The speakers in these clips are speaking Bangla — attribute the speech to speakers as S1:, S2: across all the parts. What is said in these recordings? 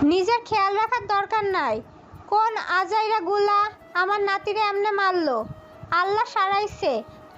S1: নিজের খেয়াল রাখার দরকার নাই। কোন আজাইরা গুলা আমার নাতিরে এমনে মারলো? আল্লাহ সারাইছে।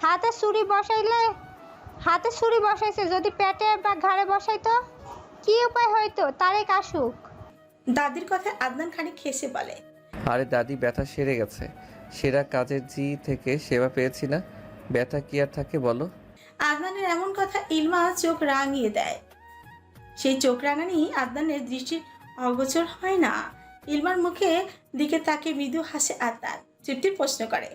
S1: হাতে ছুরি বসাইছে, যদি পেটে বা ঘাড়ে বসাইতো কি উপায় হইতো? তারেক আসুক।
S2: দাদির কথায় আদনান খানিক হেসে বলে,
S3: আরে দাদি, ব্যথা সেরে গেছে। সেরা কাজের জি থেকে সেবা পেয়েছি না, ব্যথা কি আর থাকে বলো?
S2: আদনানের এমন কথা ইলমা চোখ রাঙিয়ে দেয়। সেই চোখ রাঙানি আদনানের দৃষ্টির অগোচর হয় না। ইলমার মুখে দিকে তাকে মৃদু হাসে আদনান। তৃপ্তির প্রশ্ন করে,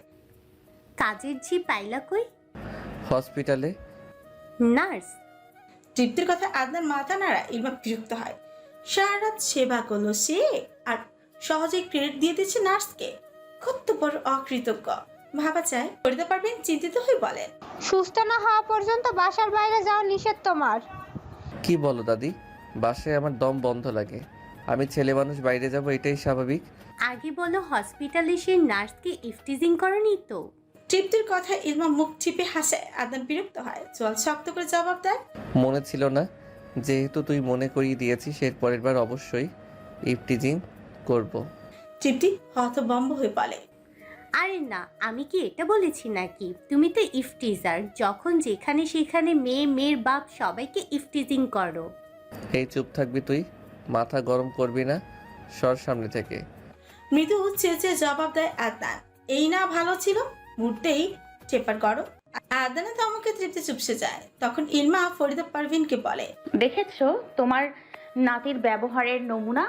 S4: কাজের ঝি পাইলা কই?
S3: হসপিটালে।
S4: নার্স?
S2: তৃপ্তির কথা আদনান মাথা নাড়া। ইলমা বিরক্ত হয়। সারা রাত সেবা করলো সে, আর সহজেই ক্রেডিট দিয়ে দিচ্ছে নার্সকে। কত বড় অকৃতজ্ঞ ভাবা চায়। করতে পারবেন চিন্তিত হয়ে বলেন,
S1: সুস্থ না হওয়া পর্যন্ত বাসার বাইরে যাওয়া নিষেধ তোমার।
S3: কি বলো দাদি? বাসায় আমার দম বন্ধ লাগে। আমি ছেলে মানুষ, বাইরে যাব এটাই স্বাভাবিক।
S4: আগে বলো হসপিটালে সে নার্সকে ইফটিজিং করনি তো?
S2: তৃপ্তির কথায় ইলমা মুখ চিপে হাসে। আদনান বিরক্ত হয়, চল শক্ত করে জবাব দেয়।
S3: মনে ছিল না, যেহেতু তুই মনে করিয়ে দিয়েছিস, এর পরের বার অবশ্যই ইফটিজিং করব।
S2: তৃপ্তি হতভম্ব হয়ে বলে,
S4: আরে না, আমি কি এটা বলেছি নাকি? তুমি তো ইফটিজার, যখন যেখানে সেখানে মেয়ের বাপ সবাইকে ইফটিজিং করো।
S3: এই চুপ থাকবি তুই, মাথা গরম করবি না, সর সামনে থেকে।
S2: মৃদু চেঁচে জবাব দেয় আদনান। এই না ভালো ছিল, মুহূর্তেই চেপার করো। আদনানে ধমকে তৃপ্তি চুপসে যায়। তখন ইলমা ফরিদা পারভিনকে বলে,
S5: দেখেছো তোমার নাতির ব্যবহারের নমুনা?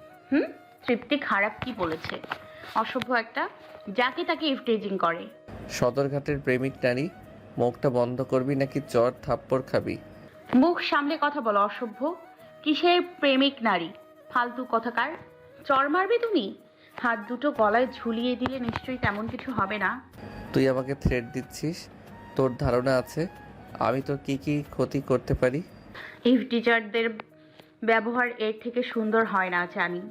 S5: তৃপ্তি খারাপ কি বলেছে? অসভ্য একটা, যাকে তাকে ইফটেজিং করে।
S3: সদরঘাটের প্রেমিক নারী, মুখটা বন্ধ করবি নাকি চর থাপ্পড় খাবি?
S5: মুখ সামলে কথা বলো অসভ্য। কিসের প্রেমিক নারী? ফালতু কথাকার। চর মারবে তুমি? হাত দুটো গলায় ঝুলিয়ে দিলে নিশ্চয়ই তেমন কিছু হবে না।
S3: তুই আমাকে থ্রেট দিচ্ছিস? তোর ধারণা আছে আমি তোর কি কি ক্ষতি করতে পারি?
S5: টিচারদের ব্যবহার এর থেকে সুন্দর হয় না জানি।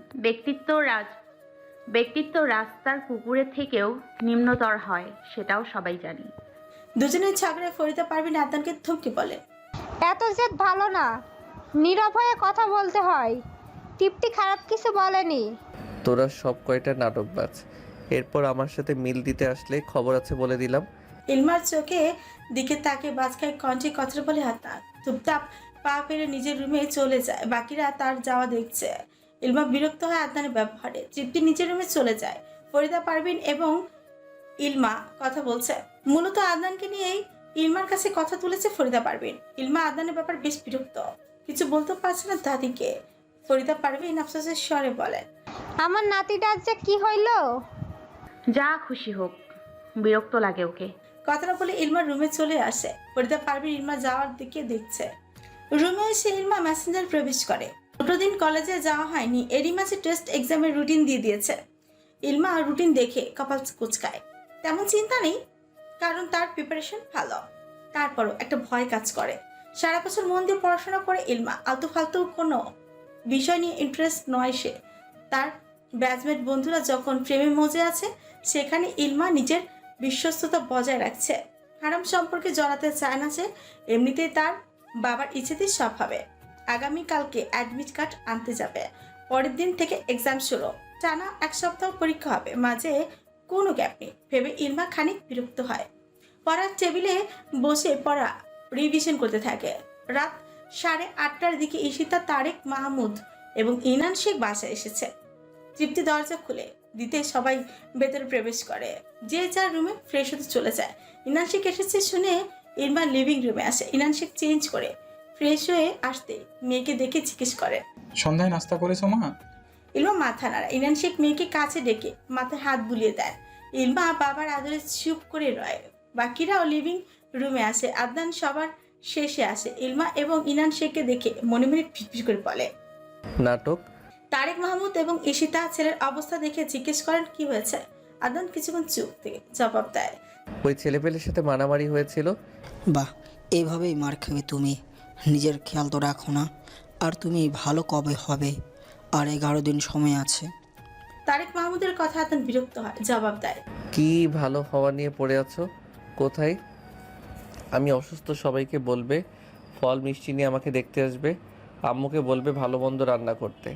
S5: ব্যক্তিত্ব রাস্তার কুকুরের থেকেও নিম্নতর হয়, সেটাও সবাই জানি।
S2: দুজনের ঝগড়ায় ফরিদা পারভিন আদনানকে থমকে বলে,
S1: এত জেদ ভালো না, নীরব হয়ে কথা বলতে হয়। তৃপ্তি খারাপ কিছু বলেনি।
S3: তোরা সব কয়টা নাটকবাজ। এরপর আমার সাথে মিল দিতে আসলে খবর আছে বলে দিলাম।
S2: ইলমার চোখে দিকে তাকে বাজখায় কণ্ঠে কথা বলে আদনান চুপচাপ পা ফেলে নিজের রুমে চলে যায়। বাকিরা তার যাওয়া দেখছে। ইলমা বিরক্ত হয় আদনানের ব্যবহারে। তৃপ্তি নিজের রুমে চলে যায়। ফরিদা পারভিন এবং ইলমা কথা বলছে। মূলত আদনানকে নিয়েই ইলমার কাছে কথা তুলেছে ফরিদা পারভিন। ইলমা আদনানের ব্যাপার বেশ বিরক্ত, কিছু বলতে পারছে না দাদিকে। ফরিদা পারভিন আফসোসের স্বরে বলেন,
S1: আমার নাতিটার যে কি হইলো?
S5: যা খুশি হোক, বিরক্ত লাগে ওকে।
S2: কথাটা বলে ইলমার রুমে চলে আসে। ফরিদা পারভিন ইলমা যাওয়ার দিকে দেখছে। রুমে এসে ইলমা মেসেঞ্জার প্রবেশ করে। দুটো দিন কলেজে যাওয়া হয়নি, এরই মাঝে টেস্ট এক্সামের রুটিন দিয়ে দিয়েছে। ইলমা রুটিন দেখে কপাল কুঁচকায়। তেমন চিন্তা নেই, কারণ তার প্রিপারেশন ভালো। তারপরও একটা ভয় কাজ করে। সারা বছর মন দিয়ে পড়াশোনা করে ইলমা, আলতু ফালতু কোনো বিষয় নিয়ে ইন্টারেস্ট নয় সে। তার ব্যাচমেট বন্ধুরা যখন প্রেমে মজে আছে, সেখানে ইলমা নিজের বিশ্বস্ততা বজায় রাখছে। হারাম সম্পর্কে জড়াতে চায় না সে। এমনিতেই তার বাবার ইচ্ছেতেই সব হবে। আগামীকালকে অ্যাডমিট কার্ড আনতে যাবে। পরের দিন থেকে এক্সাম শুরু। টানা 1 সপ্তাহ পরীক্ষা হবে, মাঝে কোনো গ্যাপ নেই ভেবে ইলমা খানিক বিরক্ত হয়। পড়ার টেবিলে বসে পড়া রিভিশন করতে থাকে। রাত 8:30টার দিকে ঈশিতা, তারেক মাহমুদ এবং ইনান শেখ বাসায় এসেছে। তৃপ্তি দরজা খুলে দিতে সবাই ভেতরে প্রবেশ করে। যে যার রুমে ফ্রেশ হতে চলে যায়। ইনান শেখ এসেছে শুনে ইলমা লিভিং রুমে আসে। ইনান শেখ চেঞ্জ করে ফ্রেশ হয়ে আসতে মেয়েকে দেখে জিজ্ঞেস করে,
S6: সন্ধ্যায় নাস্তা করেছো মা?
S2: ইলমা মাথা নাড়া। ইনান শেখ মেয়েকে কাছে ডেকে মাথায় হাত বুলিয়ে দেয়। ইলমা বাবার আদরে চুপ করে রয়। বাকিরাও লিভিং রুমে আসে। আদনান সবার শেষে আসে। ইলমা এবং ইনান শেখকে দেখে মনে মনে ফিটফিট করে বলে,
S3: নাটক।
S2: তারেক মাহমুদ এবং ঈশিতা ছেলের অবস্থা দেখে জিজ্ঞেস করেন কি হয়েছে। আদনান কিছুক্ষণ চুপ থেকে জবাব দেয়,
S3: ওই ছেলেপেলের সাথে মারামারি হয়েছিল।
S7: বাহ, এভাবেই মার খাবে তুমি। নিজের খেয়াল তো রাখো না। আর তুমি ভালো কবে হবে? আর 11 দিন সময় আছে।
S2: তারেক মাহমুদের কথা আদনান বিরক্ত হয়, জবাব দেয়,
S3: কি ভালো হওয়া নিয়ে পড়ে আছো? কোথায়? আমি অসুস্থ, সবাইকে বলবে ফল মিষ্টি নিয়ে আমাকে দেখতে আসবে। আম্মুকে বলবে ভালো মন্দ রান্না করতে।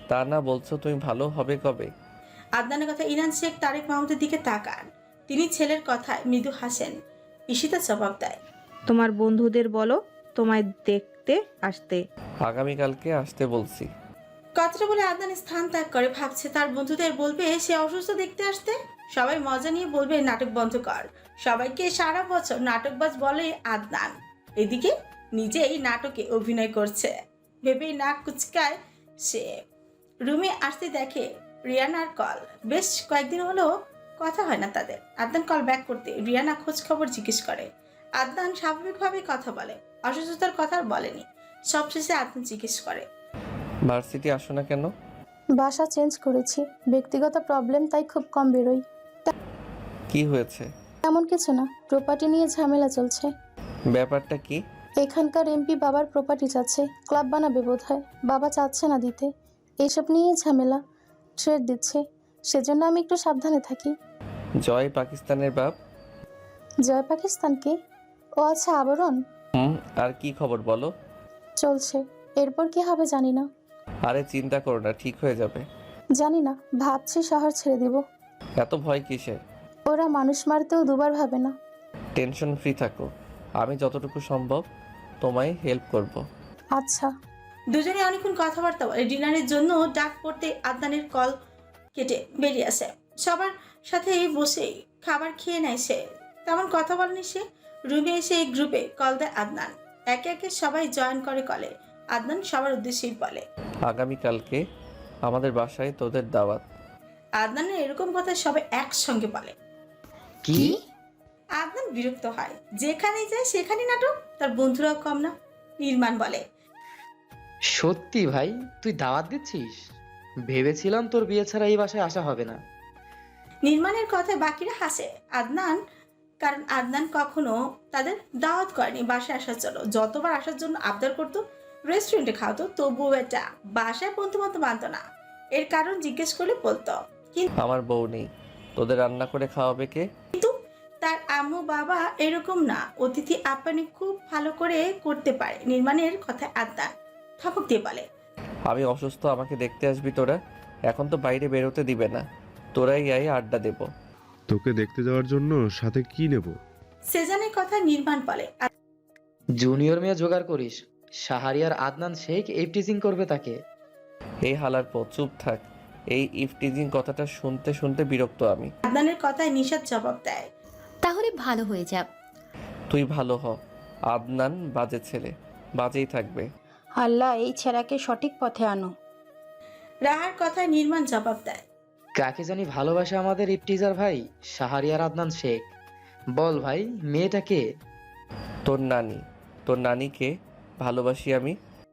S3: তা না বলছো তুমি ভালো হবে কবে?
S2: আদনানের কথা ইনান শেখ তারেক মাহমুদের দিকে তাকান। তিনি ছেলের কথায় মৃদু হাসেন। ঈশিতা জবাব দেয়,
S8: তোমার বন্ধুদের বলো তোমায় দেখতে আসতে।
S3: আগামীকালকে আসতে বলছি।
S2: কথাটা বলে আদনান স্থান ত্যাগ করে। ভাবছে তার বন্ধুদের বলবে সে অসুস্থ দেখতে আসতে। সবাই মজা নিয়ে বলবে নাটক বন্ধ কর। সবাইকে সারা বছর নাটকবাজ বলে আদনান, এদিকে নিজেই নাটকে অভিনয় করছে ভেবেই নাক কুচকায় সে। রুমে আসতে দেখে রিয়ানার কল। বেশ কয়েকদিন হলো কথা হয় না তাদের। আদনান কল ব্যাক করতে রিয়ানা খোঁজ খবর জিজ্ঞেস করে। আদনান স্বাভাবিকভাবেই কথা বলে, অসুস্থতার কথা আর বলেনি। সবশেষে আদনান জিজ্ঞেস করে,
S3: ভার্সিটি আসো না কেন?
S9: বাসা চেঞ্জ করেছি, ব্যক্তিগত প্রবলেম, তাই খুব কম বেরোই।
S3: কি হয়েছে?
S9: তেমন কিছু না, প্রপার্টি নিয়ে ঝামেলা চলছে।
S3: ব্যাপারটা কি?
S9: এখানকার এমপি বাবার প্রপার্টি চাচ্ছে, ক্লাব বানাবে বোধহয়, বাবা চাচ্ছে না দিতে। এইসব নিয়েই ঝামেলা, ট্রেড দিচ্ছে, সেজন্য আমি একটু সাবধানে থাকি।
S3: জয় পাকিস্তানের বাপ?
S9: জয় পাকিস্তানকে? ও আচ্ছা, আবরণ।
S3: আর কি খবর বলো?
S9: চলছে, এরপর কি হবে জানি না।
S3: আরে চিন্তা করো না, ঠিক হয়ে যাবে।
S9: জানি না, ভাবছি শহর ছেড়ে দিব।
S3: এত ভয় কিসের?
S9: ওরা মানুষ মারতেও দুবার ভাবে না।
S3: টেনশন ফ্রি থাকো, আমি যতটুকু সম্ভব তোমায় হেল্প করব।
S9: আচ্ছা।
S2: দুজনে অনেকক্ষণ কথাবার্তা বলে। ডিনারের জন্য ডাক পড়তে আদনানের কল কেটে বেরিয়ে আসে। সবার সাথে বসে খাবার খেয়ে নেয় সে। তেমন কথা বলেনি সে। রুমে এসে এই গ্রুপে কল দেয় আদনান। একে একে সবাই জয়েন করে কলে। আদনান সবার উদ্দেশ্যেই বলে,
S3: আগামীকালকে আমাদের বাসায় তোদের দাওয়াত।
S2: আদনানের এরকম কথা সবাই একসঙ্গে বলে।
S10: কি?
S2: আদনান বিরক্ত হয়। যেখানে যায় সেখানে নাটক, তার বন্ধুরাও কম না। নির্মাণ বলে,
S10: সত্যি ভাই তুই দাওয়াত দিচ্ছিস? ভেবেছিলাম তোর বিয়ে ছাড়া এই বাসায় আসা হবে না।
S2: নির্মাণের কথায় বাকিরা হাসে। আদনান, কারণ আদনান কখনো তাদের দাওয়াত করেনি বাসায় আসার জন্য। যতবার আসার জন্য আবদার করতো, রেস্টুরেন্টে খাওয়াতো, তবুও এটা বাসায় বন্ধু বান্ধব আনতো না। এর কারণ জিজ্ঞেস করলে বলতো
S3: আমার বউ নেই, তোদের রান্না করে খাওয়াবে কে?
S2: তার আম্মু বাবা এরকম না, অতিথি আপ্যায়ন খুব ভালো করে করতে পারে। নির্মাণের কথায় আদনান থপক দিয়ে বলে,
S3: আমি অসুস্থ, আমাকে দেখতে আসবি তোরা। এখন তো বাইরে বেরোতে দিবে না, তোরাই আয়, আড্ডা দেব।
S11: তোকে দেখতে যাওয়ার জন্য সাথে কি নেব?
S2: সেজানের কথা নির্মাণ বলে,
S10: জুনিয়র মেয়ে জোগাড় করিস, শাহারিয়ার আদনান শেখ ইফটিজিং করবে তাকে।
S3: এই হালার পর চুপ থাক। এই ইফটিজিং কথাটা শুনতে শুনতে বিরক্ত আমি।
S2: আদনানের কথায় নিশাদ জবাব দেয়,
S12: তাহলে ভালো হয়ে যাক।
S3: তুই ভালো হ। আদনান বাজে ছেলে, বাজেই থাকবে।
S9: আল্লাহ এই ছেঁড়াকে সঠিক পথে আনো।
S2: রাহার কথায় নির্মাণ জবাব দেয়,
S10: কাকে জানি ভালোবাসে আমাদের ইফটিজার ভাই শাহারিয়ার আদনান শেখ। বল ভাই, মেয়েটা কে?
S3: তোর নানি। তোর নানিকে ভালোবাসি আমি।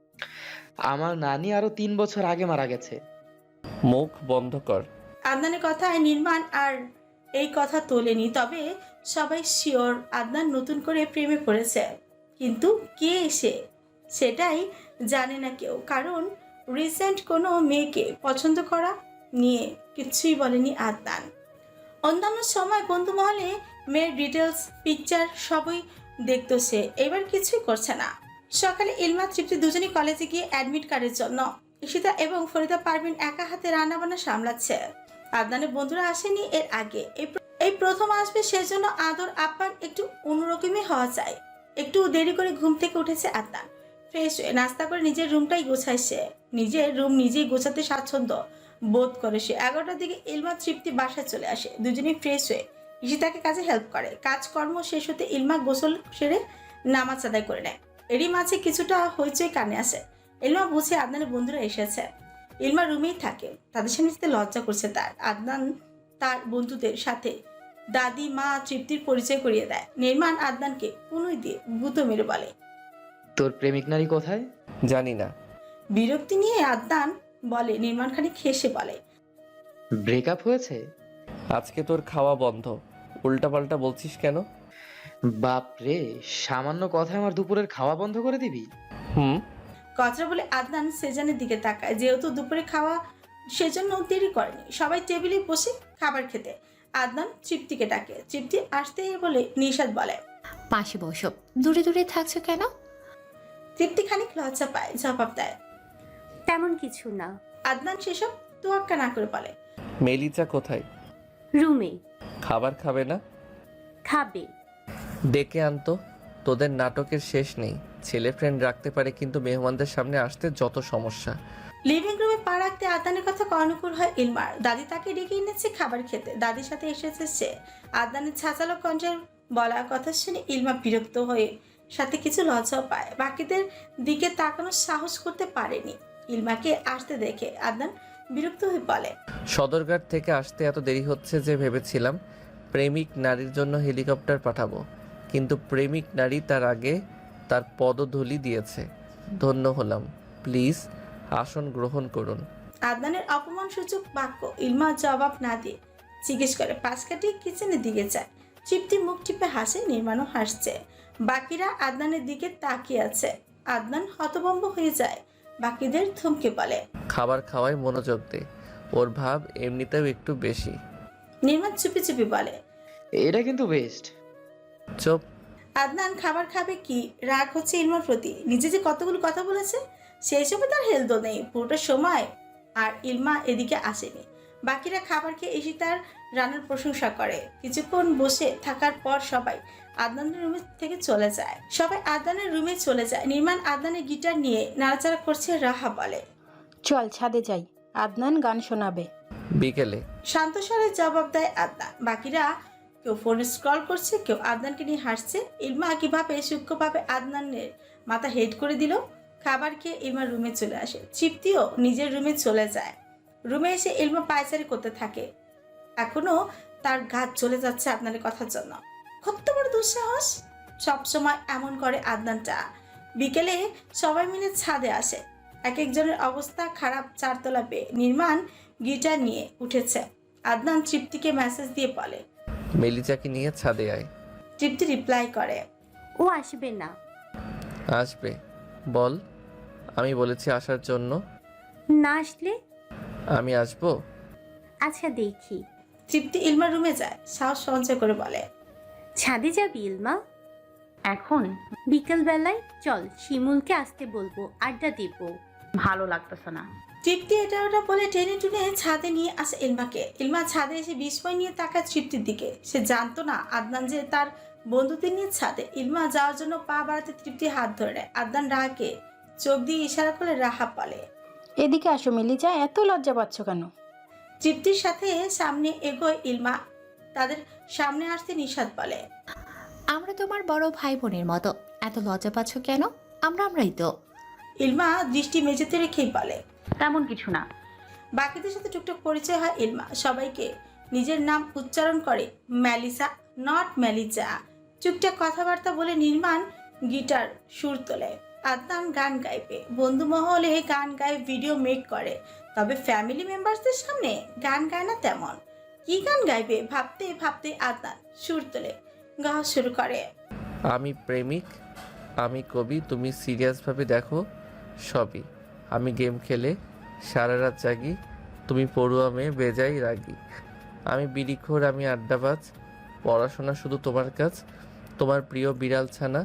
S10: আমার নানি আরো 3 বছর আগে মারা গেছে।
S3: মুখ বন্ধ কর।
S2: আদনানের কথায় নির্মাণ আর এই কথা তোলেনি। তবে সবাই শিওর আদনান নতুন করে প্রেমে পড়েছে, কিন্তু কে সে সেটাই জানে না কেউ। কারণ রিসেন্ট কোনো মেয়েকে পছন্দ করা নিয়ে কিছুই বলেনি আদনান। অন্যান্য সময় বন্ধু মহলে মেয়ের ডিটেলস, পিকচার সবই দেখতো সে, এবার কিছুই করছে না। সকালে ইলমা তৃপ্তি দুজনই কলেজে গিয়ে অ্যাডমিট কার্ডের জন্য। ঈশিতা এবং ফরিদা পারভিন একা হাতে রান্নাবান্না সামলাচ্ছে। আদনানের বন্ধুরা আসেনি এর আগে, এই প্রথম আসবে, সেজন্য আদর আপ্যায়ন একটু অন্যরকমই হওয়া চাই। একটু দেরি করে ঘুম থেকে উঠেছে আদনান। ফ্রেশ হয়ে নাস্তা করে নিজের রুমটাই গোছায় সে। নিজের রুম নিজেই গোছাতে স্বাচ্ছন্দ্য বোধ করে সে। 11টার দিকে ইলমা তৃপ্তি বাসায় চলে আসে। দুজনেই ফ্রেশ হয়ে ঈশিতাকে কাজে হেল্প করে। কাজকর্ম শেষ হতে ইলমা গোসল সেরে নামাজ আদায় করে নেয়। এরই মাঝে কিছুটা হইচই কানে আসে। ইলমা বুঝে আদনানের বন্ধুরা এসেছে। ইলমা রুমেই থাকে, তাদের সামনে যেতে লজ্জা করছে তার। আদনান তার বন্ধুদের সাথে দাদি মা তৃপ্তির পরিচয় করিয়ে দেয়। নির্মাণ আদনানকে পুনই দিয়ে গুঁতো মেরে বলে,
S10: তোর প্রেমিক নারী কোথায়?
S3: জানি না।
S2: বিরক্তি নিয়ে আদনান বলে। নির্মাণ খানিক হেসে বলে,
S10: ব্রেকআপ হয়েছে?
S3: আজকে তোর খাওয়া বন্ধ, উল্টাপাল্টা বলছিস কেন?
S10: বাপ রে, সামান্য কথায় আমার দুপুরের খাওয়া বন্ধ করে দিবি?
S2: কথা বলে আদনান সেজানের দিকে তাকায়। যেহেতু দুপুরে খাওয়া, সেজন্য দেরি করেনি। সবাই টেবিলে বসে খাবার খেতে। আদনান তৃপ্তিকে ডাকে। তৃপ্তি আসতে বলে নিশাদ বলে,
S12: পাশে বসো, দূরে দূরে থাকছো কেন?
S2: তৃপ্তি খানিক লজ্জা পায়, জবাব দেয়,
S4: তেমন কিছু না।
S2: আদনান সেসব তোয়াক্কা না করে বলে,
S3: মেলিচা কোথায়?
S4: রুমে।
S3: খাবার খাবে না?
S4: খাবে।
S3: ডেকে আনতো। তোদের নাটকের শেষ নেই। ছেলে ফ্রেন্ড রাখতে পারে কিন্তু মেহমানদের সামনে আসতে যত সমস্যা।
S2: লিভিং রুমে পা রাখতে আদনানের কথা অনুকূল হয় ইলমার। দাদি তাকে ডেকে এনেছে খাবার খেতে, দাদির সাথে এসেছে সে। আদনানের ছাঁচালো কণ্ঠের বলা কথা শুনে ইলমা বিরক্ত হয়ে সাথে কিছু লজ্জাও পায়। বাকিদের দিকে তাকানোর সাহস করতে পারেনি। ইলমাকে আসতে দেখে আদনান বিরক্ত হয়ে বলে,
S3: সদরঘাট থেকে আসতে এত দেরি হচ্ছে যে ভেবেছিলাম প্রেমিক নারীর জন্য হেলিকপ্টার পাঠাবো, কিন্তু প্রেমিক নারী তার আগে তার পদধূলি দিয়েছে। ধন্য হলাম। প্লিজ আসন গ্রহণ করুন।
S2: আদনানের অপমানসূচক বাক্য ইলমা জবাব না দিয়ে জিজ্ঞেস করে পাশ কাটিয়ে কিচেনের দিকে যায়। তৃপ্তি মুখ টিপে হাসে, নির্মাণও হাসছে। বাকিরা আদনানের দিকে তাকিয়ে আছে। আদনান হতভম্ব হয়ে যায়। বাকিদের থমকে বলে,
S3: খাবার খাওয়ায় মনোযোগ দে, ওর ভাব এমনিতেও একটু বেশি।
S2: নির্মাণ চুপি চুপি বলে,
S10: এটা কিন্তু বেস্ট।
S3: চুপ।
S2: আদনান খাবার খাবে কি রাগ হচ্ছে ইলমার প্রতি। নিজে যে কতগুলো কথা বলেছে সেই সময় তার হেলদো নেই পুরোটা সময়। আর ইলমা এদিকে আসেনি। বাকিরা খাবার খেয়ে এসে তার রান্নার প্রশংসা করে। কিছুক্ষণ বসে থাকার পর সবাই আদনানের রুমে থেকে চলে যায়। নির্মাণ আদনানের গিটার নিয়ে নাড়াচাড়া করছে। রাহা বলে,
S13: চল ছাদে যাই, আদনান গান শোনাবে।
S3: বিকেলে।
S2: শান্ত স্বরে জবাব দেয় আদনান। বাকিরা কেউ ফোন স্ক্রল করছে, কেউ আদনানকে নিয়ে হাসছে। ইলমা কিভাবে সূক্ষ্মভাবে আদনানের মাথা হেড করে দিল। খাবার খেয়ে ইলমা রুমে চলে আসে। তৃপ্তিও নিজের রুমে চলে যায়। রুমে এসে ইলমা পায়চারি করতে থাকে। এখনো তার ঘাত চলে যাচ্ছে আদনানের কথার জন্য। কত বড় দুঃসাহস! সবসময় এমন করে আদনানটা। বিকেলে সবাই মিলে ছাদে আসে। এক একজনের অবস্থা খারাপ। চারতলা পেয়ে নির্মাণ গিটার নিয়ে উঠেছে। আদনান তৃপ্তিকে মেসেজ দিয়ে বলে,
S3: মেলিচাকে নিয়ে ছাদে আয়।
S2: তৃপ্তি রিপ্লাই করে,
S4: ও আসবে না।
S3: আসবে। বল। আমি বলেছি আসার জন্য।
S4: না আসলে?
S3: আমি আসবো।
S4: আচ্ছা দেখি।
S2: তৃপ্তি ইলমার রুমে যায়। সাহস সঞ্চয় করে বলে,
S4: ছাদে যাবি ইলমা?
S5: এখন
S4: বিকেল বেলায় চল, শিমুলকে আসতে বলবো, আড্ডা দিব।
S5: ভালো লাগতেছে না।
S2: তৃপ্তি এটা ওটা বলে টেনে টুনে ছাদে নিয়ে আসে ইলমাকে। ইলমা ছাদে এসে বিস্ময় নিয়ে তাকায় তৃপ্তির দিকে। সে জানতো না আদনান যে তার বন্ধুদের নিয়ে ছাদে। ইলমা যাওয়ার জন্য পা বাড়াতে তৃপ্তি হাত ধরে নেয়। আদনান রাহাকে চোখ দিয়ে ইশারা করে রাহা বলে,
S13: এদিকে আসো মিলিজা, এত লজ্জা পাচ্ছ কেন?
S2: তৃপ্তির সাথে সামনে এগোয় ইলমা। তাদের সামনে আসতে নিষাদ বলে,
S12: আমরা তোমার বড় ভাই বোনের মতো, এত লজ্জা পাচ্ছ কেন? আমরাই তো।
S2: ইলমা দৃষ্টি মেঝেতে রেখেই বলে,
S5: তেমন কিছু না।
S2: বাকিদের সাথে টুকটাক পরিচয় হয় ইলমা। সবাইকে নিজের নাম উচ্চারণ করে মেলিসা, নট মেলিজা। টুকটাক কথাবার্তা বলে নির্মাণ গিটার সুর তোলে। আদনান গান গাইবে। বন্ধু মহলে গান গায়ে ভিডিও মেক করে, তবে ফ্যামিলি মেম্বারসদের সামনে গান গায় না তেমন। কি গান গাইবে ভাবতে ভাবতে আদনান সুর তোলে, গাওয়া শুরু করে।
S3: আমি প্রেমিক, আমি কবি, তুমি সিরিয়াসভাবে দেখো সবই। আমি গেম খেলে সারা রাত জাগি, তুমি পড়ুয়া মেয়ে বেজাই রাগি। আমি বিড়িখোর, আমি আড্ডাবাজ, পড়াশোনা শুধু তোমার কাজ। তোমার প্রিয় বিড়াল ছানা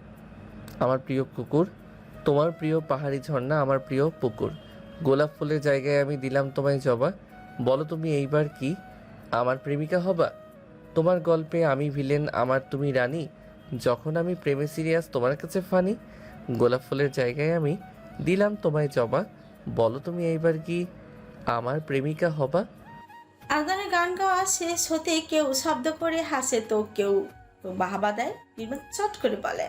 S3: আমার প্রিয় কুকুর, তোমার প্রিয় পাহাড়ি ঝর্ণা আমার প্রিয় পুকুর। গোলাপ ফুলের জায়গায় আমি দিলাম তোমায় জবা। বলো তুমি এইবার কি আমার প্রেমিকা হবা? তোমার গল্পে আমি ভিলেন, আমার তুমি রানী। যখন আমি প্রেমে সিরিয়াস, তোমার কাছে ফানি। গোলাপ ফুলের জায়গায় আমি দিলাম তোমায় জবা। বলো তুমি এইবার কি আমার প্রেমিকা হবা?
S2: আদনানের গান গাওয়া শেষ হতে কেউ শব্দ করে হাসে তো কেউ বাহাবা দেয়। নির্মাণ চট করে বলে,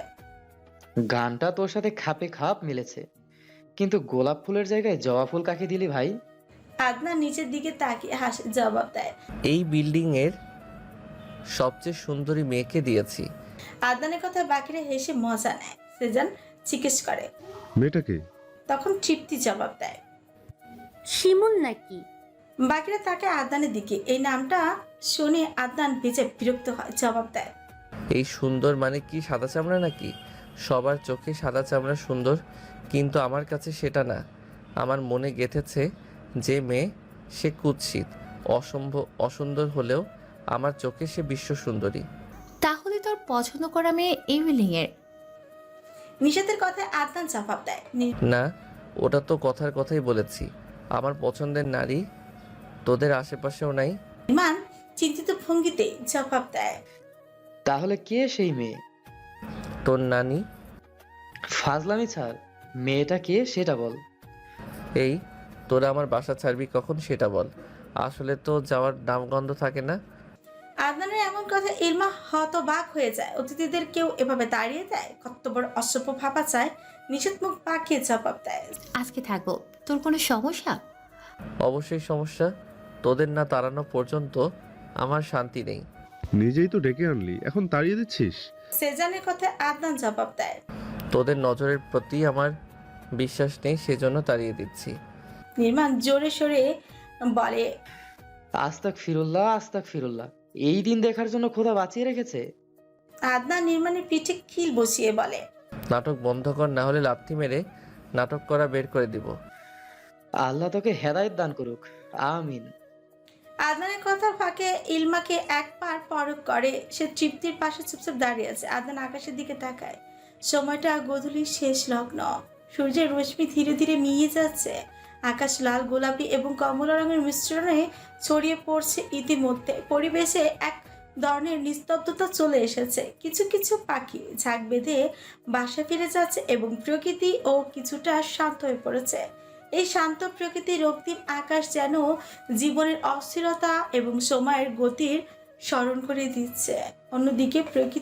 S10: গানটা তোর সাথে খাপে খাপ মিলেছে, কিন্তু গোলাপ ফুলের জায়গায় জবা ফুল কাকে দিলি ভাই?
S2: আদনান নিচের দিকে তাকিয়ে হাসে, জবাব দেয়,
S3: এই বিল্ডিং এর সবচেয়ে সুন্দরী মেয়েকে দিয়েছি।
S2: আদনানের কথা বাকিরা হেসে মজা নেয়। সেজান জিজ্ঞেস করে,
S11: মেয়েটাকে?
S2: তখন তৃপ্তি জবাব দেয়,
S4: শিমুল নাকি?
S2: বাকিরা তাকে আদনানের দিকে। এই নামটা শুনে আদনান বেজে বিরক্ত হয়। জবাব দেয়,
S3: এই সুন্দর মানে কি সাদা চামড়া নাকি? সবার চোখে সাদা চামড়া সুন্দর, কিন্তু আমার কাছে সেটা না। আমার মনে গেঁথেছে যে মেয়ে সে কুৎসিত, অসুন্দর হলেও আমার চোখে সে বিশ্ব সুন্দরী।
S12: তাহলে তোর পছন্দ করা মেয়ে এই বিল্ডিংয়ের?
S2: নিষেধের কথায় আদনান জবাব দেয়,
S3: না, ওটা তো কথার কথাই বলেছি। আমার পছন্দের নারী তোদের আশেপাশেও নাই।
S2: ইরমান চিন্তিত ভঙ্গিতে জবাব দেয়।
S10: তাহলে কে সেই মেয়ে?
S3: তোর নানি।
S10: ফাজলামি ছাড়, মেয়েটা কে সেটা বল।
S3: এই তোরা আমার বাসা ছাড়বি কখন সেটা বল। আসলে তো যাওয়ার নামগন্ধ থাকে না।
S2: আদনানের এমন কথা ইলমা হতবাক হয়ে যায়। অতিথিদের কেউ এভাবে দাঁড়িয়ে দেয়? কত বড় অসভ্য ভাবা চায়। নিষেধ মুখ পাকিয়ে জবাব দেয়।
S12: আজকে থাকবো। তোর কোনো সমস্যা?
S3: অবশ্যই সমস্যা। তোদের না তাড়ানো পর্যন্ত আমার শান্তি নেই।
S11: নিজেই তো ডেকে আনলি, এখন তাড়িয়ে দিচ্ছিস?
S2: সেজানের কথায় আদনান জবাব দেয়।
S3: তোদের নজরের প্রতি আমার বিশ্বাস নেই, সেজন্য তাড়িয়ে দিচ্ছি।
S2: নির্মাণ জোরে সোরে বলে।
S10: আস্তাক ফিরুল্লাহ, আস্তাক ফিরুল্লাহ। এই দিন দেখার জন্য খোদা বাঁচিয়ে রেখেছে।
S2: আদনান নির্মাণের পিঠে খিল বসিয়ে বলে।
S3: নাটক বন্ধ কর, না হলে লাথি মেরে নাটক করা বের করে দিব।
S10: আল্লাহ তোকে হেদায়েত দান করুক, আমিন।
S2: আদনানের কথার ফাঁকে ইলমাকে এক পার পরক করে। সে তৃপ্তির পাশে চুপচাপ দাঁড়িয়ে আছে। আদনান আকাশের দিকে তাকায়। সময়টা গোধূলির শেষ লগ্ন। সূর্যের রশ্মি ধীরে ধীরে মিয়ে যাচ্ছে। আকাশ লাল, গোলাপি এবং কমলা রঙের মিশ্রণে ছড়িয়ে পড়ছে। ইতিমধ্যে পরিবেশে এক ধরনের নিস্তব্ধতা চলে এসেছে। কিছু কিছু পাখি ঝাঁক বেঁধে বাসা ফিরে যাচ্ছে এবং প্রকৃতি ও কিছুটা শান্ত হয়ে পড়েছে। এই শান্ত প্রকৃতির রক্তিম আকাশ যেন জীবনের অস্থিরতা এবং সময়ের গতির স্মরণ করে দিচ্ছে। অন্যদিকে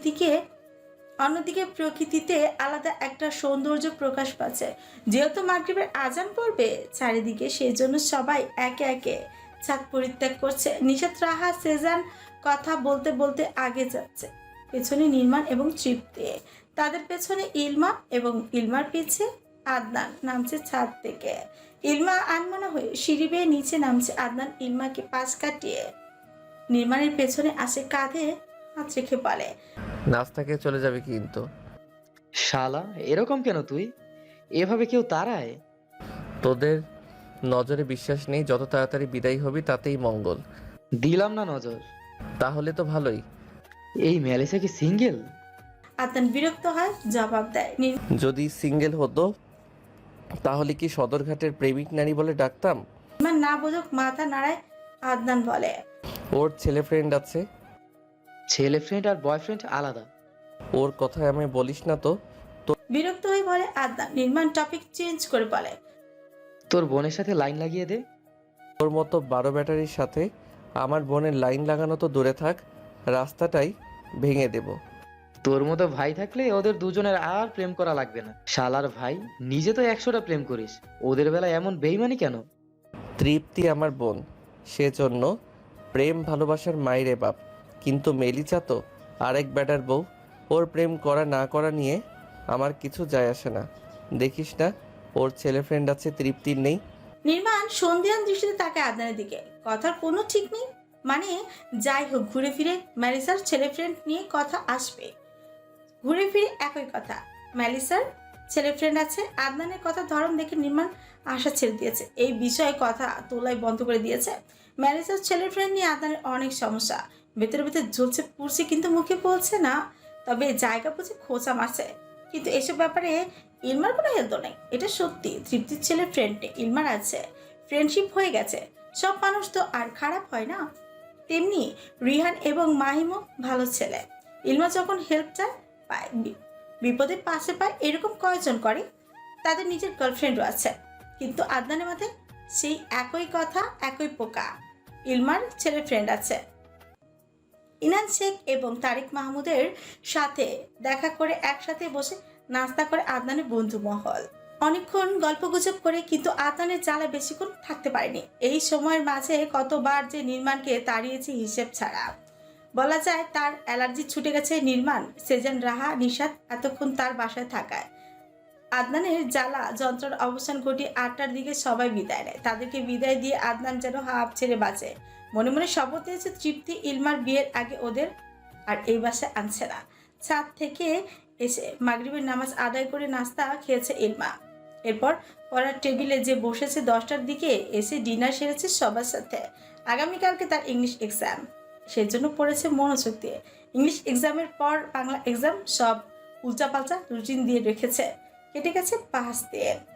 S2: প্রকৃতিতে আলাদা একটা সৌন্দর্য প্রকাশ পাচ্ছে। যেহেতু মাগরিবের আজান পড়বে চারিদিকে, সেই জন্য সবাই একে একে ছাদ পরিত্যাগ করছে। নিষাদ, রাহা, সেজান কথা বলতে বলতে আগে যাচ্ছে। পেছনে নির্মাণ এবং তৃপ্তি, তাদের পেছনে ইলমা এবং ইলমার পিছে আদনান নামছে ছাদ থেকে। ইলমা আনমনা হয়ে সিঁড়ি বেয়ে নিচে নামছে। আদনান ইলমাকে পাশ কাটিয়ে নির্মাণের পেছনে আসে, কাঁধে হাত রেখে বলে।
S3: নাস্তা খেয়ে চলে যাবে কিন্তু।
S10: শালা এরকম কেন তুই? এভাবে কেউ তাড়ায়?
S3: তোদের নজরে বিশ্বাস নেই, যত তাড়াতাড়ি বিদায় হবি তাতেই মঙ্গল।
S10: দিলাম না নজর।
S3: তাহলে তো ভালোই।
S10: এই মেলিসা কি সিঙ্গেল?
S2: আদনান বিরক্ত হয়, জবাব দেয়।
S3: যদি সিঙ্গেল হতো তাহলে কি সদরঘাটের প্রেমিক নারী বলে ডাকতাম?
S2: নির্মাণ না বোঝুক মাথা নাড়ায়। আদনান বলে।
S3: ওর ছেলে ফ্রেন্ড আছে।
S10: ছেলে ফ্রেন্ড আর বয়ফ্রেন্ড আলাদা।
S3: ওর কথা আমি বলিস না তো।
S2: বিরক্ত হয়ে বলে আদনান। নির্মাণ টপিক চেঞ্জ করে বলে।
S10: তোর বোনের সাথে লাইন লাগিয়ে দে।
S3: তোর মতো 12 ব্যাটারির সাথে আমার বোনের লাইন লাগানো তো দূরে থাক, রাস্তাটাই ভেঙে দেব।
S10: তোর মতো ভাই থাকলে ওদের দুজনের আর প্রেম করা লাগবে না। শালার ভাই, নিজে তো 100টা প্রেম করিস, ওদের বেলায় এমন বেইমানি কেন?
S3: তৃপ্তি আমার বোন, সেজন্য প্রেম ভালোবাসার মাইরে বাপ। কিন্তু মেলিচা তো আরেক ব্যাটার বউ। ওর প্রেম করা না করা নিয়ে আমার কিছু যায় আসে না। দেখিস না ওর ছেলে ফ্রেন্ড আছে, তৃপ্তির নেই।
S2: নির্মাণ সন্ধিয়ান দৃষ্টিতে তাকায় আদনানের দিকে। কথার কোনো ঠিক নেই। মানে যাই হোক, ঘুরে ফিরে ম্যালিসার ছেলে ফ্রেন্ড নিয়ে কথা আসবে। ঘুরে ফিরে একই কথা, ম্যালিসার ছেলে ফ্রেন্ড আছে। আদনানের কথা ধরন দেখে নির্মাণ আশা ছেড়ে দিয়েছে। এই বিষয়ে কথা তোলাই বন্ধ করে দিয়েছে। ম্যালিসার ছেলে ফ্রেন্ড নিয়ে আদনানের অনেক সমস্যা। ভেতরে ভেতরে জ্বলছে পুড়ছে, কিন্তু মুখে বলছে না। তবে জায়গা বুঝে খোঁচা মারছে। কিন্তু এসব ব্যাপারে ইলমার কোনো হেলদো নেই। এটা সত্যি, তৃপ্তির ছেলে ফ্রেন্ড নেই, ইলমার আছে। ফ্রেন্ডশিপ হয়ে গেছে। সব মানুষ তো আর খারাপ হয় না। তেমনি রিহান এবং মাহিমও ভালো ছেলে। ইলমা যখন হেল্প চায় পায়, বিপদে পাশে পায়, এরকম কয়েকজন করে। তাদের নিজের গার্লফ্রেন্ডও আছে। কিন্তু আদনানের মাথায় সেই একই কথা, একই পোকা। ইলমার ছেলে ফ্রেন্ড আছে। ইনান শেখ এবং তারিক মাহমুদের সাথে দেখা করে একসাথে বসে নাস্তা করে আদনানের বন্ধু মহল। অনেকক্ষণ গল্পগুজব করে, কিন্তু আদনানের জ্বালা বেশিক্ষণ থাকতে পারেনি। এই সময়ের মাঝে কতবার যে নির্মাণকে তাড়িয়েছে হিসেব ছাড়া। বলা যায় তার অ্যালার্জি ছুটে গেছে। নির্মাণ, সেজান, রাহা, নিশাত এতক্ষণ তার বাসায় থাকায় আদনানের জ্বালা যন্ত্রণার অবসান ঘটিয়ে 8টার দিকে সবাই বিদায় নেয়। তাদেরকে বিদায় দিয়ে আদনান যেন হাঁপ ছেড়ে বাঁচে। মনে মনে শপথ নিয়েছে তৃপ্তি ইলমার বিয়ের আগে ওদের আর এই বাসায় আনছে না। ছাদ থেকে এসে মাগরিবের নামাজ আদায় করে নাস্তা খেয়েছে ইলমা। এরপর পড়ার টেবিলে যে বসেছে 10টার দিকে এসে ডিনার সেরেছে সবার সাথে। আগামীকালকে তার ইংলিশ এক্সাম, সেজন্য পড়েছে মনোযোগ দিয়ে। ইংলিশ এক্সামের পর বাংলা এক্সাম, সব উল্টাপাল্টা রুটিন দিয়ে রেখেছে। কেটে গেছে 5 দিন।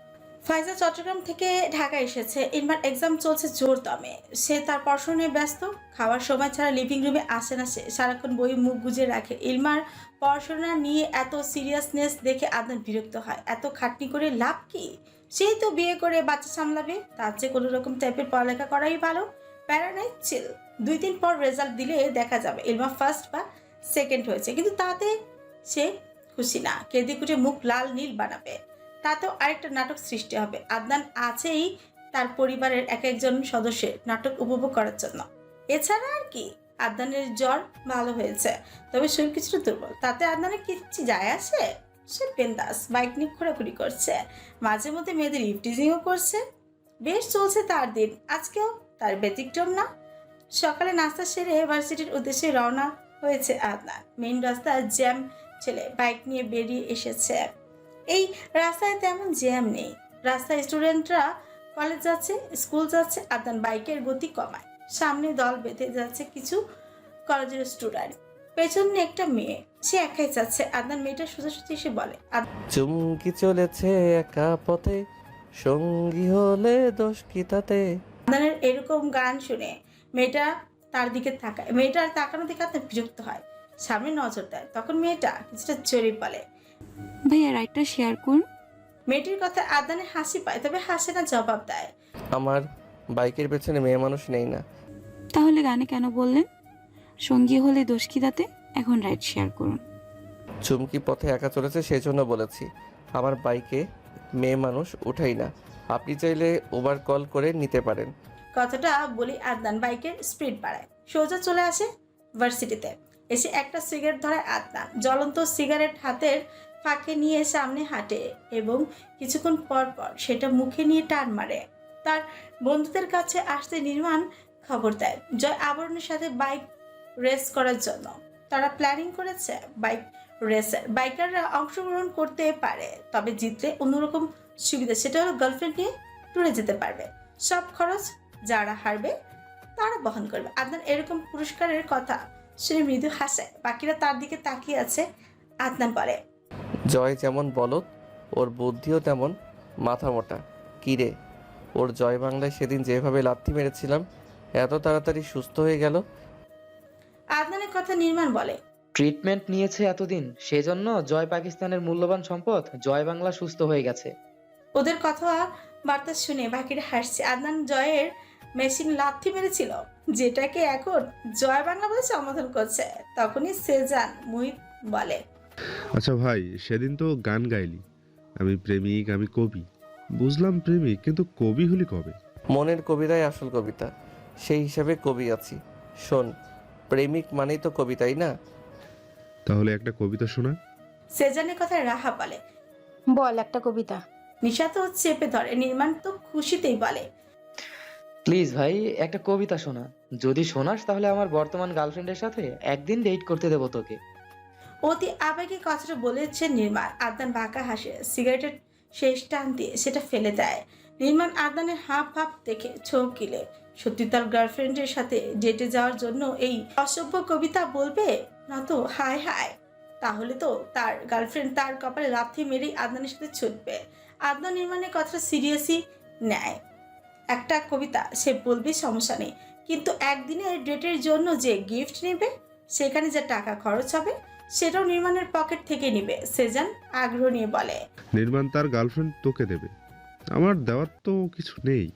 S2: ফাইজা চট্টগ্রাম থেকে ঢাকা এসেছে। ইলমার এক্সাম চলছে জোর দমে। সে তার পড়াশোনা নিয়ে ব্যস্ত। খাওয়ার সময় ছাড়া লিভিং রুমে আসে না সে, সারাক্ষণ বই মুখ গুজে রাখে। ইলমার পড়াশোনা নিয়ে এত সিরিয়াসনেস দেখে আদনান বিরক্ত হয়। এত খাটনি করে লাভ কি? সেই তো বিয়ে করে বাচ্চা সামলাবে, তার চেয়ে কোনো রকম টাইপের পড়ালেখা করাই ভালো। প্যারা নাই, চিল। 2 দিন পর রেজাল্ট দিলে দেখা যাবে ইলমা ফার্স্ট বা সেকেন্ড হয়েছে, কিন্তু তাতে সে খুশি না। কেঁদে কুটে মুখ লাল নীল বানাবে, তাতেও আরেকটা নাটক সৃষ্টি হবে। আদনান আছেই তার পরিবারের এক একজন সদস্যের নাটক উপভোগ করার জন্য। এছাড়া আর কি? আদনানের জ্বর ভালো হয়েছে, তবে শরীর কিছুটা দুর্বল। তাতে আদনানের কিচ্ছু যায় আসে? সে বিন্দাস বাইক নিয়ে ঘোরাঘুরি করছে, মাঝে মধ্যে মেয়েদের ইফটিজিংও করছে। বেশ চলছে তার দিন। আজকেও তার ব্যতিক্রম না। সকালে নাস্তা সেরে ভার্সিটির উদ্দেশ্যে রওনা হয়েছে আদনান। মেইন রাস্তায় জ্যাম ছেলে বাইক নিয়ে বেরিয়ে এসেছে। এই রাস্তায় তেমন জ্যাম নেই। রাস্তায় স্টুডেন্টরা কলেজ যাচ্ছে, স্কুল যাচ্ছে। আদনান বাইকের গতি কমায়। সামনে দল বেঁধে যাচ্ছে কিছু কলেজের স্টুডেন্ট, পেছনে একটা মেয়ে। সে একাই যাচ্ছে। আদনান মেয়েটা সোজাসুজি এসে বলে,
S3: চুমকি চলেছে একা পথে, সঙ্গী হলে দোষ কি তাতে।
S2: আদনানের এরকম গান শুনে মেয়েটা তার দিকে তাকায়। মেয়েটার তাকানো দেখে আদনান বিরক্ত হয়, সামনে নজর দেয়। তখন মেয়েটা কিছুটা জোরে বলে,
S8: ভাইয়া রাইডটা শেয়ার করুন।
S2: মেয়েটির কথা আদনানের হাসি পায়, তবে হাসে না, জবাব দেয়,
S3: আমার বাইকের পেছনে মেয়ে মানুষ নেই না।
S8: তাহলে গানে কেন বললেন? সঙ্গী হলে দোষ কি তাতে? এখন রাইড শেয়ার করুন।
S3: চুমকি পথে একা চলেছে সেজন্য বলেছি। আমার বাইকে মেয়ে মানুষ উঠাই না। আপনি চাইলে ওভার কল করে নিতে পারেন।
S2: কথাটা বলি আদনান বাইকের স্পিড বাড়ায়, সোজা চলে আসে ভার্সিটিতে। এসে একটা সিগারেট ধরায় আদনান। জ্বলন্ত সিগারেট হাতের ফাঁকে নিয়ে সামনে হাঁটে এবং কিছুক্ষণ পর পর সেটা মুখে নিয়ে টান মারে। তার বন্ধুদের কাছে আসতে নির্মাণ খবর দেয় জয় আবরণের সাথে বাইক রেস করার জন্য। তারা প্ল্যানিং করেছে বাইক রেসের। বাইকাররা অংশগ্রহণ করতে পারে, তবে জিতলে অন্যরকম সুবিধা, সেটা হলো গার্লফ্রেন্ড নিয়ে ট্যুরে যেতে পারবে। সব খরচ যারা হারবে তারা বহন করবে। আদনান এরকম পুরস্কারের কথা শুনে মৃদু হাসে। বাকিরা তার দিকে তাকিয়ে আছে। আদনান বলে,
S3: জয় যেমন বলদ, ওর বুদ্ধিও তেমন মাথা মোটা। কিরে, ওর জয় বাংলায় সেদিন যেভাবে লাথি মেরেছিলাম এত তাড়াতাড়ি সুস্থ হয়ে গেল?
S2: আদনানের কথা নির্মাণ বলে,
S10: ট্রিটমেন্ট নিয়েছে এতদিন, সেজন্য জয় পাকিস্তানের মূল্যবান সম্পদ জয় বাংলা সুস্থ হয়ে গেছে।
S2: ওদের কথা বার্তা শুনে বাকিরা হাসছে। আদনান জয়ের মেশিন লাথি মেরেছিল, যেটাকে এখন জয় বাংলা বলে সম্বোধন করছে। তখনই সেজান মুহিত বলে,
S11: আচ্ছা ভাই, সেদিন তো গান গাইলি, আমি প্রেমিক, আমি কবি। বুঝলাম প্রেমিক, কিন্তু কবি হলি কবে?
S3: মনের কবিতাই আসল কবিতা, সেই হিসাবে কবি আছি। শোন, প্রেমিক মানেই তো কবিতাই না?
S11: তাহলে একটা কবিতা শোনা।
S2: সেজানের কথা রাহা বলে,
S13: বল একটা কবিতা।
S2: নিশা তো চেপে ধরে। নির্মাণ তো খুশিতেই বলে,
S10: প্লিজ ভাই একটা কবিতা শোনা। যদি শোনাস তাহলে আমার বর্তমান গার্লফ্রেন্ডের সাথে একদিন ডেট করতে দেবো তোকে।
S2: অতি আবেগে কথাটা বলেছে নির্মাণ। আদনান বাঁকা হাসে, সিগারেটের শেষ টান দিয়ে সেটা ফেলে দেয়। নির্মাণ আদনানের হাফ হাফ দেখে চমকিলে। সত্যি তার গার্লফ্রেন্ডের সাথে ডেটে যাওয়ার জন্য এই অসভ্য কবিতা বলবে না তো? হায় হায়, তাহলে তো তার গার্লফ্রেন্ড তার কপালে লাথি মেরেই আদনানের সাথে ছুটবে। আদনান নির্মাণের কথাটা সিরিয়াসই নেয়। একটা কবিতা সে বলবে, সমস্যা নেই, কিন্তু একদিনের ডেটের জন্য যে গিফট নেবে, সেখানে যে টাকা খরচ হবে, সেটাও নির্মাণের পকেট থেকে নেবে। সেজান আগ্রহ নিয়ে বলে,
S11: নির্মাণ তার গার্লফ্রেন্ড তোকে দেবে, আমার দেওয়ার তো কিছু নেই,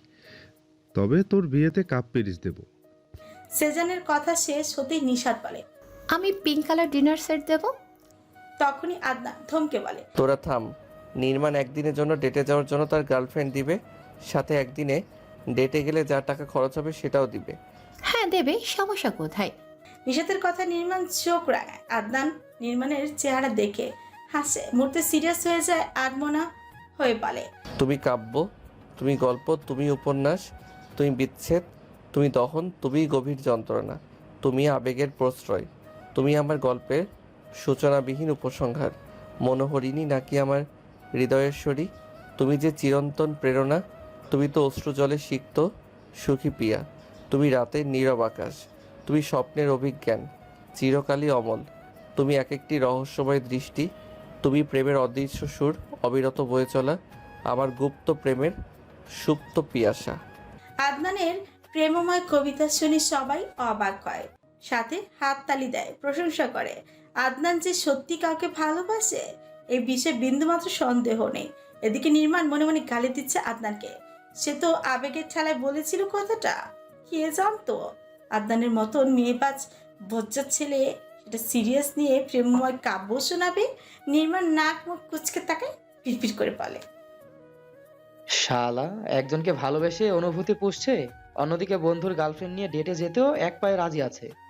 S11: তবে তোর বিয়েতে কাপ পেরিস দেব।
S2: সেজানের কথা শেষ হতেই নিশাত বলে,
S12: আমি পিঙ্ক কালার ডিনার সেট দেব।
S2: তখনই আদনান থমকে বলে,
S3: তোরা থাম। নির্মাণ একদিনের জন্য ডেটে যাওয়ার জন্য তার গার্লফ্রেন্ড দিবে, সাথে একদিনে ডেটে গেলে যা টাকা খরচ হবে সেটাও দিবে।
S12: হ্যাঁ দেবে, সমস্যা কোথায়?
S2: নিশাতের কথা নির্মাণ চোখ রাঙায়। আদনান নির্মাণের চেহারা দেখে হাসে, মুহূর্তে সিরিয়াস হয়ে যায়। আদমনা হয়ে বলে,
S3: তুমি কাব্য, তুমি গল্প, তুমি উপন্যাস, তুমি বিচ্ছেদ, তুমি দহন, তুমি গভীর যন্ত্রণা, তুমি আবেগের প্রশ্রয়, তুমি আমার গল্পের সূচনাবিহীন উপসংহার, মনোহরিণী নাকি আমার হৃদয়েশ্বরী, তুমি যে চিরন্তন প্রেরণা, তুমি তো অশ্রুজলে সিক্ত সুখী প্রিয়া, তুমি রাতের নীরব আকাশ, তুমি স্বপ্নের অভিজ্ঞান, চিরকালই অমল, তুমি এক একটি রহস্যময় দৃষ্টি, তুমি প্রেমের অদৃশ্য সুর, অবিরত বয়ে চলা আমার গুপ্ত প্রেমের সুপ্ত পিয়াসা।
S2: আদনানের প্রেমময় কবিতা শুনে সবাই অবাক হয়, সাথে হাততালি দেয়, প্রশংসা করে। আদনান যে সত্যি কাউকে ভালোবাসে এই বিষয়ে বিন্দুমাত্র সন্দেহ নেই। এদিকে নির্মাণ মনে মনে গালি দিচ্ছে আদনানকে। সে তো আবেগের ঠেলায় বলেছিল কথাটা, কে জানতো আদনানের মতন মেয়েবাজ বজ্জাত ছেলে সেটা সিরিয়াস নিয়ে প্রেমময় কাব্য শোনাবে। নির্মাণ নাক মুখ কুচকে তাকে পিড়পিড় করে বলে,
S10: শালা একজনকে ভালোবেসে অনুভূতি পুষছে, অন্যদিকে বন্ধুর গার্লফ্রেন্ড নিয়ে ডেটে যেতেও এক পায়ে রাজি আছে।